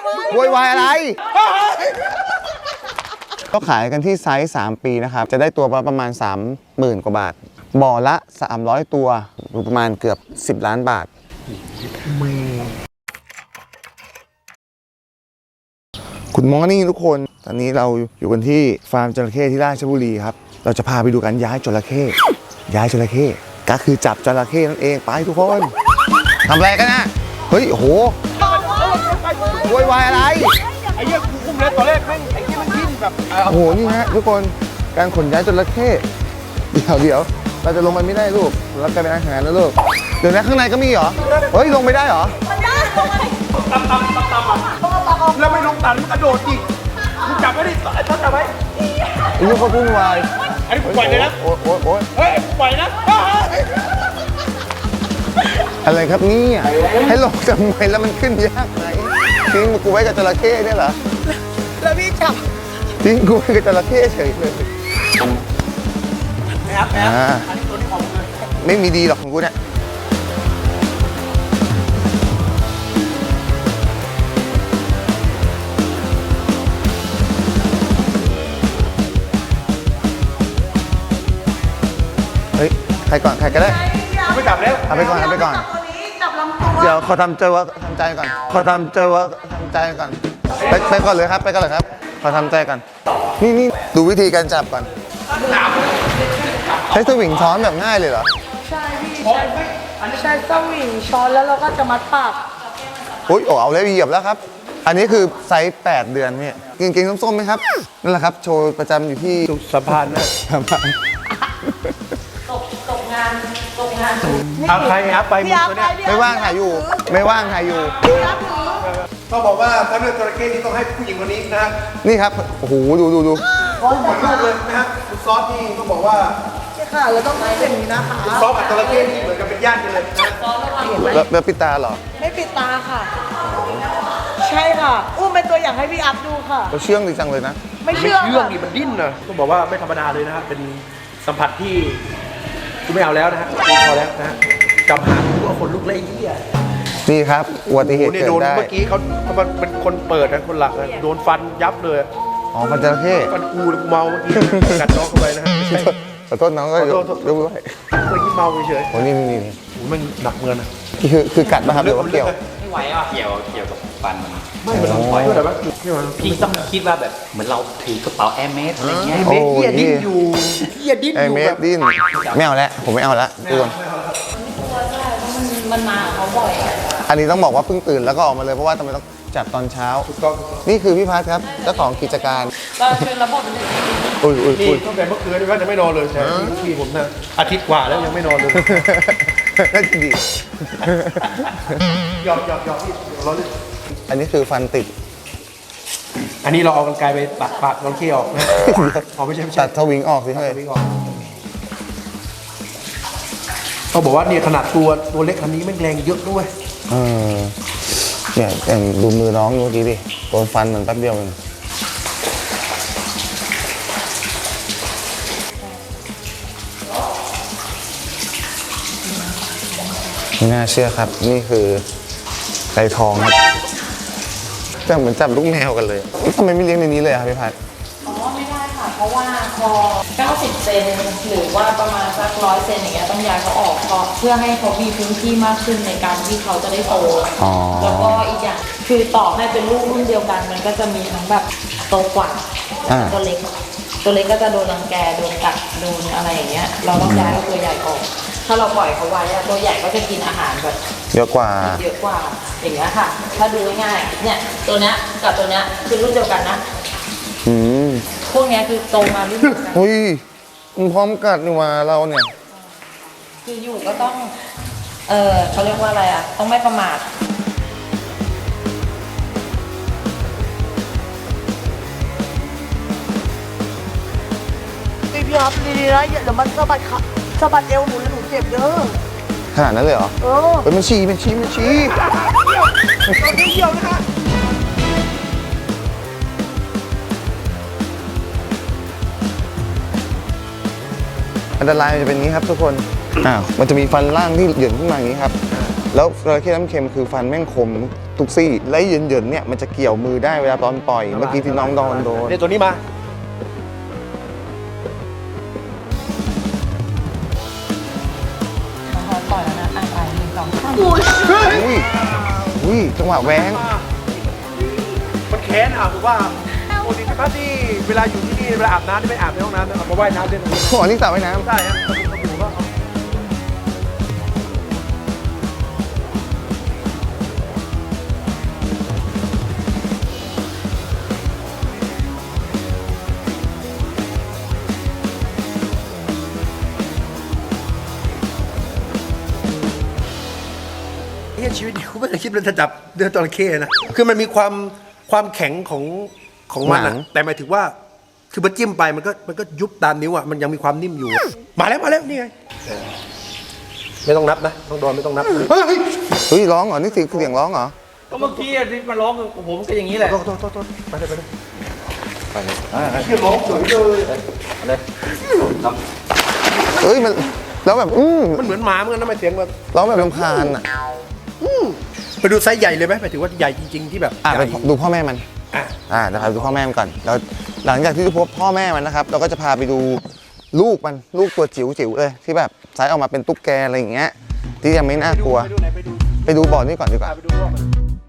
โวยวายอะไรก็ขายกันที่ไซส์3 ปีนะครับจะได้ตัวประมาณ 30,000 กว่าบาทบ่อละ300 ตัวประมาณเกือบ10 ล้านบาทคุณมอร์นิ่งทุกคนตอนนี้เราอยู่กันที่ฟาร์มจระเข้ที่ราชบุรีครับเราจะพาไปดูกันย้ายจระเข้ก็คือจับจระเข้นั่นเองไปทุกคนทำอะไรกันนะเฮ้ยโอ้โหโวยวายอะไรไอ้เหี้ยกูคุมเลยตอนแรกแม่งไอ้เหี้ยมันดิ้นแบบโอ้โหนี่ฮะทุกคนการขนย้ายจระเข้เดี๋ยวเราจะลงไปไม่ได้ลูกเรากลายเป็นอาหารแล้วลูกเดี๋ยวนะข้างในก็มีเหรอเฮ้ยลงไม่ได้เหรอตำแล้วไม่ลงตันมันกระโดดอีกมึงจับไว้ดิไอ้ต้นจับไว้ไอ้ลูกเขาพุ่งวายไอ้ปล่อยเลยนะโอ้ยเฮ้ยปล่อยนะอะไรครับนี่ให้ลงทำไมแล้วมันขึ้นยากไหมทิ้งกูไว้กับจระเข้เนี่ยเหรอแล้วพี่จับทิ้งกูไว้กับจระเข้เฉยเลยนะครับอันนี้ตัวนี้ของเลยไม่มีดีหรอกของกูเนี่ยเฮ้ยใครก่อนใครก็ได้ไม่จับแล้วเอาไปก่อนจับลำตัวเดี๋ยวขอทำใจว่าทำใจก่อนไปก่อนเลยครับไปก่อนเลยครับขอทำใจก่อนนี่ดูวิธีการจับก่อนใช้สวิงช้อนแบบง่ายเลยเหรอใช่พี่ใช้สวิงช้อนแล้วเราก็จะมัดปากโอ้ยเอาเลยเหยียบแล้วครับอันนี้คือไซส์8 เดือนเนี่ยกางเกงส้มๆไหมครับนั่นแหละครับโชว์ประจำอยู่ที่สะพานนะตกงานเอาใครครับไปหมดตัวเนี้ยไม่ว่างถ่ายอยู่ต้องบอกว่าถ้าเลือกจระเข้ที่ต้องให้ผู้หญิงคนนี้นะนี่ครับโอ้โหดูหมดลูกเลยนะฮะคุณซอสที่ต้องบอกว่าใช่ค่ะเราต้องให้เป็นนี้นะคะซอสกับจระเข้ที่เหมือนกันเป็นญาติกันเลยนะแล้วปิดตาเหรอไม่ปิดตาค่ะใช่ค่ะอุ้มเป็นตัวอย่างให้พี่อัพดูค่ะเขาเชื่องดีจังเลยนะไม่เชื่องดิมันดิ้นนะต้องบอกว่าไม่ธรรมดาเลยนะฮะเป็นสัมผัสที่กูไม่เอาแล้วนะฮะพอแล้วนะฮะจำหาตัวคนลุกเลยเหี้ยนี่ครับอุบัติเหตุเกิดได้เมื่อกี้เขาเป็นคนเปิดนะคนหลักนะโดนฟันยับเลยอ๋อฟันจระเข้ฟันกูเมาเมื่อกี้กัดน้องเข้าไปนะฮะขอโทษน้องก็ยกด้วยเมื่อกี้เมาเฉยโอ้นี่มันหนักเงินนะคือกัดป่ะครับหรือว่าเกี่ยวไม่ไหวอ่ะเกี่ยวกับฟันไม่มันไหวแต่ว่าพี่ต้องคิดว่าแบบเหมือนเราถือกระเป๋าแอร์เมสอะไรเงี้ยเมสเฮียดิ้นอยู่แอร์เมสดิ้นไม่เอาแล้วผมไม่เอาแล้วทุกคนมันมาเขาบ่อยอันนี้ต้องบอกว่าเพิ่งตื่นแล้วก็ออกมาเลยเพราะว่าทำไมต้องจับตอนเช้านี่คือพี่พัทครับเจ้าของกิจการเราเป็นระบบนี่ตั้งแต่เมื่อคืนว่าจะไม่นอนเลยแต่พี่ผมนะอาทิตย์กว่าแล้วยังไม่นอนเลยน่าจะดีหยอกพี่ร้อนอันนี้คือฟันติดอันนี้เราเอากรรไกรไปตัดปากน้องเคี้ยวนะไม่ใช่ตัดทวิงออกสิเฮ้ยเขาบอกว่าเนี่ยขนาดตัวเล็กคันนี้แม่งแรงเยอะด้วยเนี่ยแต่ดูมือน้องเมื่อกี้ดิโดนฟันมันแป๊บเดียวเองไม่น่าเชื่อครับนี่คือไก่ทองครับแต่เหมือนจับลูกแมวกันเลยทำไมไม่เลี้ยงในนี้เลยครับพี่พัดไม่ได้ค่ะเพราะว่าพอ90 เซนหรือว่าประมาณสัก100 เซนอย่างเงี้ยต้องย้ายเขาออกเพื่อให้เขามีพื้นที่มากขึ้นในการที่เขาจะได้โตแล้วก็อีกอย่างคือต่อให้เป็นลูกรุ่นเดียวกันมันก็จะมีทั้งแบบโตกว่าตัวเล็กก็จะโดนรังแกโดนกัดโดนอะไรอย่างเงี้ยเราต้องย้ายเอาตัวใหญ่ออกถ้าเราปล่อยเขาไว้ตัวใหญ่ก็จะกินอาหารแบบเยอะกว่าอย่างเงี้ยค่ะถ้าดูง่ายๆเนี่ยตัวเนี้ยกับตัวเนี้ยคือรุ่นเดียวกันนะพวกนี้คือโตมารุ่นเดียวกันอุ้ยมันพร้อมกัดนี่ว่าเราเนี่ยคืออยู่ก็ต้องเขาเรียกว่าอะไรอ่ะต้องไม่ประมาทพี่ครับดีๆนะเดี๋ยวมันสะบัดเอวหนูแล้วหนูเจ็บเด้อขนาดนั้นเลยเหรอเป็นมันชี้ตัวเดียวนะคะอันตรายจะเป็นอย่างนี้ครับทุกคนมันจะมีฟันล่างที่เหยื่อขึ้นมาอย่างนี้ครับแล้วจระเข้น้ำเค็มคือฟันแม่งคมทุกซี่และเหยินๆเนี่ยมันจะเกี่ยวมือได้เวลาตอนปล่อยเมื่อกี้ที่น้องโดนเนี่ยตัวนี้มาปล่อยแล้วนะอ่ะไปหนึ่งสองสามอุ้ยจังหวะแหวงมันแค้นถูกว่าปกติเป็นภาพที่เวลาอยู่ที่นี่เวลาอาบน้ำที่ไม่อาบในห้องน้ำนะมาว่ายน้ำเล่นตรงนี้โอ้โหนี่สระว่ายน้ำได้ฮะสบู่ก็เอา เฮียชีวิตนี้กูไม่เคยคิดเลยจะจับเดือนจระเข้นะคือมันมีความแข็งของมันหนัอะงแต่หมายถึงว่าคือมันจิ้มไปมันก็ยุบตามนิ้วอะมันยังมีความนิ่มอยู่ มาแล้วนี่ไงไม่ต้องนับนะต้องโดนไม่ต้องนับเฮ้ยเฮ้ยร้องเหรอนี่เสียงร้องเหรอก็เมื่อกี้ที่มาร้องกับผมก็อย่างนี้แหละโทษไปเลยเฮียร้องสวยเลยเฮ้ยมันแล้วแบบมันเหมือนหมาเหมือนกันนะไม่เสียงแบบร้องแบบรำคาญอ่ะไปดูไซส์ใหญ่เลยไหมหมายถึงว่าใหญ่จริงๆที่แบบไปใหญ่ดูพ่อแม่มันอ่ะนะครับดูพ่อแม่มันก่อนแล้วหลังจากที่พบพ่อแม่มันนะครับ เราก็จะพาไปดูลูกมันลูกตัวจิ๋วเลยที่แบบไซส์ออกมาเป็นตุ๊กแกอะไรอย่างเงี้ยที่ยังไม่น่ากลัว ไปดูบ่อนี่ก่อนดีกว่าไปดูรอบมัน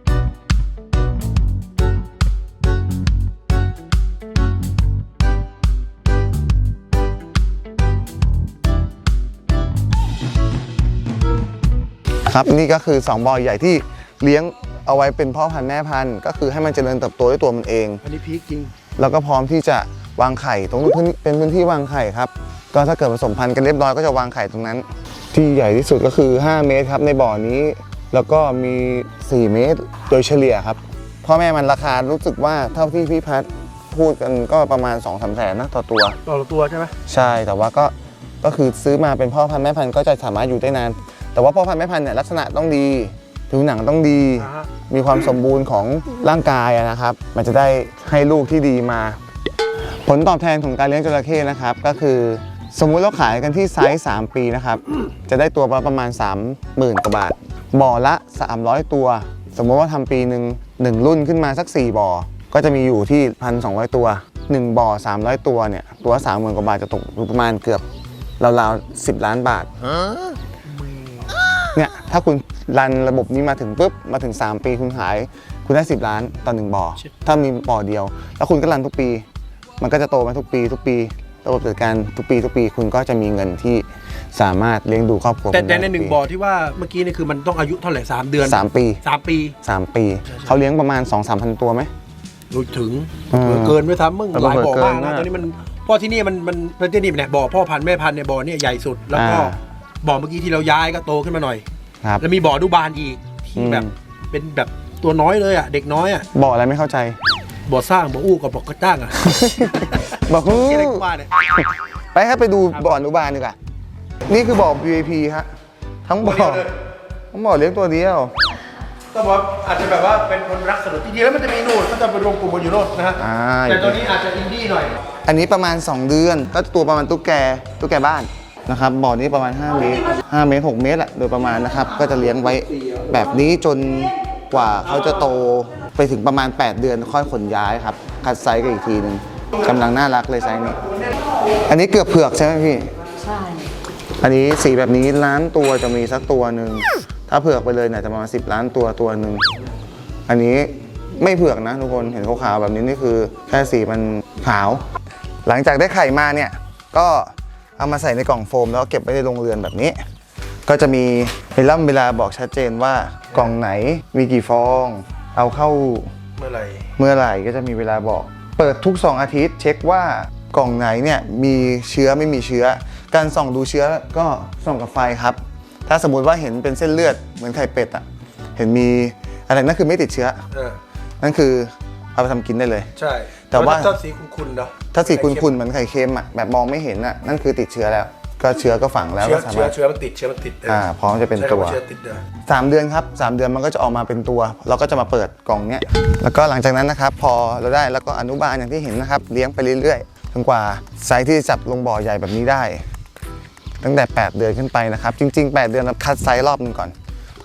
ครับนี่ก็คือ2บ่อใหญ่ที่เลี้ยงเอาไว้เป็นพ่อพันธุ์แม่พันธุ์ก็คือให้มันเจริญเติบโตด้วยตัวมันเองอันนี้พีคจริงแล้วก็พร้อมที่จะวางไข่ตรงนู้นเป็นพื้นที่วางไข่ครับก็ถ้าเกิดผสมพันธุ์กันเรียบร้อยก็จะวางไข่ตรงนั้น ที่ใหญ่ที่สุดก็คือ5 เมตรครับในบ่อนี้ แล้วก็มี4 เมตรโดยเฉลี่ยครับพ่อแม่มันราคารู้สึกว่าเท่าที่พี่พัดพูดกันก็ประมาณ 2-3 แสนนะต่อตัวต่อตัวใช่ไหมใช่แต่ว่าก็คือซื้อมาเป็นพ่อพันธุ์แม่พันธุ์ก็จะสามารถอยู่ได้นานแต่ว่าพ่อพันธุ์แม่พันธุ์เนี่ยลักษณะต้องดีผิวหนังต้องดี มีความสมบูรณ์ของร่างกายนะครับมันจะได้ให้ลูกที่ดีมา ผลตอบแทนของการเลี้ยงจระเข้นะครับก็คือสมมุติเราขายกันที่ไซส์3 ปีนะครับจะได้ตัวประมาณ 30,000 กว่าบาทบ่อละ300 ตัว สมมติว่าทำปีหนึ่งรุ่นขึ้นมาสัก4 บ่อก็จะมีอยู่ที่ 1,200 ตัว1 บ่อ300 ตัวเนี่ยตัวละ30,000 กว่าบาทจะตกอยู่ประมาณเกือบราวๆ10 ล้านบาทเนี่ยถ้าคุณรันระบบนี้มาถึงปุ๊บมาถึง3 ปีคุณขายคุณได้10 ล้านต่อ1 บ่อถ้ามีบ่อเดียวแล้วคุณก็รันทุกปีมันก็จะโตมาทุกปีระบบจัดการทุกปีคุณก็จะมีเงินที่สามารถเลี้ยงดูครอบครัวแต่ในหนึ่งบ่อที่ว่าเมื่อกี้นี่คือมันต้องอายุเท่าไหร่3 เดือน 3 ปี 3 ปี 3 ปีเขาเลี้ยงประมาณ 2-3,000 ตัวไหมรู้ถึงเกินด้วยซ้ำมึงหลายบ่อมากนะตอนนี้มันเพราะที่นี่มันที่นี่เนี่ยบ่อพ่อพันธุ์แม่พันธุ์เนี่ยบ่อเนี่ยใหญ่สุดแล้วก็บ่อเมื่อกี้ที่เราย้ายก็โตขึ้นมาหน่อยครับแล้วมีบ่อดูบานอีกที่แบบเป็นแบบตัวน้อยเลยอ่ะเด็กน้อยอ่ะบ่ออะไรไม่เข้าใจบ่อสร้างบ่ออู้กับบ่อกระจ้างอ่ะบอกที่อะไรกูว่าเนี่ยไปครับไปดูบ่ออนุบาลดีกว่านี่คือบ่อ VIP ฮะทั้งบ่อทั้งบ่อเลี้ยงตัวเดียวต้องบอกอาจจะแบบว่าเป็นคนรักสนุกจริงๆแล้วมันจะมีนู่นก็จะไปรวมกลุ่มกันอยู่โน่นนะฮะแต่ตัวนี้อาจจะอินดี้หน่อยอันนี้ประมาณ2 เดือนก็ตัวประมาณตุ๊กแกบ้านนะครับบ่อนี้ประมาณ5 เมตร5 เมตร 6 เมตรอะโดยประมาณนะครับก็จะเลี้ยงไว้แบบนี้จนกว่าเขาจะโตไปถึงประมาณ8 เดือนค่อยขนย้ายครับคัดไซส์กันอีกทีนึงกำลังน่ารักเลยไซส์นี้อันนี้เกือบเผือกใช่ไหมพี่ใช่อันนี้สีแบบนี้ล้านตัวจะมีสักตัวหนึ่งถ้าเผือกไปเลยเนี่ยจะประมาณ10 ล้านตัวหนึ่งอันนี้ไม่เผือกนะทุกคนเห็นขาวๆแบบนี้นี่คือแค่สีมันขาว หลังจากได้ไข่มาเนี่ยก็เอามาใส่ในกล่องโฟมแล้วเก็บไว้ในโรงเรือนแบบนี้ ก็จะมีเวลาบอกชัดเจนว่ากล่องไหนมีกี่ฟอง เอาเข้าเมื่อไหร่เมื่อไหร่ก็จะมีเวลาบอก เปิดทุก2 อาทิตย์เช็คว่ากล่องไหนเนี่ยมีเชื้อไม่มีเชื้อ การส่องดูเชื้อก็ส่องกับไฟครับ ถ้าสมมุติว่าเห็นเป็นเส้นเลือดเหมือนไข่เป็ดอ่ะเห็นมีอะไรนั่นคือไม่ติดเชื้อ นั่นคือเอาไปทำกินได้เลยใช่แต่ว่าถ้าสีคุณเนาะถ้าสีขุ่นๆเหมือนไข่เค็มอ่ะแบบมองไม่เห็นอ่ะนั่นคือติดเชื้อแล้ว ก็เชื้อก็ฝังแล้วก็สามารถเชื้อมันติดพร้อมจะเป็นตัวเชื้อติดเด้อ 3 เดือนครับ3 เดือนมันก็จะออกมาเป็นตัว เราก็จะมาเปิดกล่องเนี้ยแล้วก็หลังจากนั้นนะครับพอเราได้แล้วก็อนุบาลอย่างที่เห็นนะครับเลี้ยงไปเรื่อยๆจนกว่าไซส์ที่จะจับลงบ่อใหญ่แบบนี้ได้ ตั้งแต่8 เดือนขึ้นไปนะครับจริงๆ8 เดือนเราคัดไซส์รอบนึงก่อน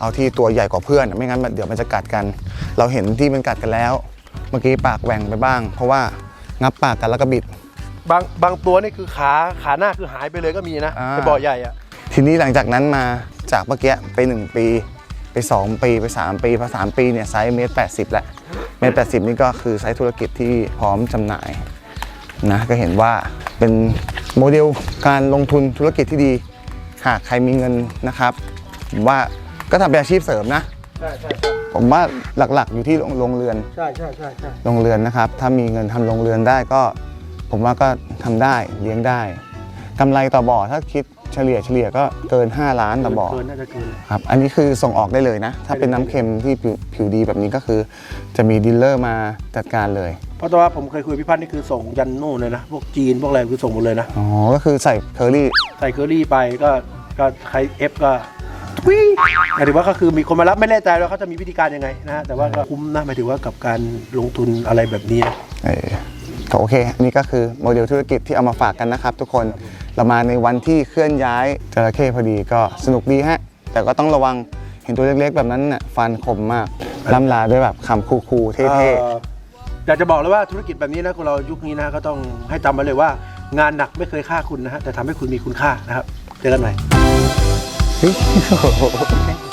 เอาที่ตัวใหญ่กว่าเพื่อนไม่งั้นเดี๋ยวมันจะกัดกัน เราเห็นที่มันกัดกันแล้ว เมื่อกี้ปากแหว่งไปบ้าง เพราะว่างับปากกันแล้วก็บิดบางตัวนี่คือขาหน้าคือหายไปเลยก็มีนะอ่าในบ่อใหญ่อะทีนี้หลังจากนั้นมาจากเมื่อกี้ไป1 ปีไป2 ปีไป3 ปีพอ3 ปีเนี่ยไซส์1.80 แล้ว1.80 นี่ก็คือไซส์ธุรกิจที่พร้อมจำหน่ายนะก็เห็นว่าเป็นโมเดลการลงทุนธุรกิจที่ดีหากใครมีเงินนะครับผมว่าก็ทำเป็นอาชีพเสริมนะใช่ผมว่าหลักๆอยู่ที่โรงเรือนใช่โรงเรือนนะครับถ้ามีเงินทำโรงเรือนได้ก็ผมว่าก็ทำได้เลี้ยงได้กำไรต่อบ่อถ้าคิดเฉลี่ยก็เกิน5 ล้านต่อบ่อเกินน่าจะเกินครับอันนี้คือส่งออกได้เลยนะ ถ้าเป็นน้ำเค็มที่ผิวดีแบบนี้ก็คือ จะมีดีลเลอร์มาจัดการเลยเพราะว่าผมเคยคุยพี่พัฒน์นี่คือส่งยันโน่นเลยนะพวกจีนพวกอะไรคือส่งหมดเลยนะอ๋อ ก็คือใส่เคอรี่ใส่เคอรี่ไปก็ใครเอฟก็วิ่งหมายถึงว่าก็คือมีคนมารับไม่แน่ใจว่าเขาจะมีวิธีการยังไงนะฮะแต่ว่าก็คุ้มนะหมายถึงว่ากับการลงทุนอะไรแบบนี้นะก็โอเค อันนี้ก็คือโมเดลธุรกิจที่เอามาฝากกันนะครับทุกคน เรามาในวันที่เคลื่อนย้ายจระเข้พอดีก็สนุกดีฮะ แต่ก็ต้องระวังเห็นตัวเล็กๆแบบนั้นน่ะฟันคมมากล่ำลาด้วยแบบคำคูลๆเท่อยากจะบอกเลยว่าธุรกิจแบบนี้นะคนเรายุคนี้นะก็ต้องให้จำไว้เลยว่างานหนักไม่เคยฆ่าคุณนะฮะแต่ทำให้คุณมีคุณค่านะครับเจอกันใหม่ๆ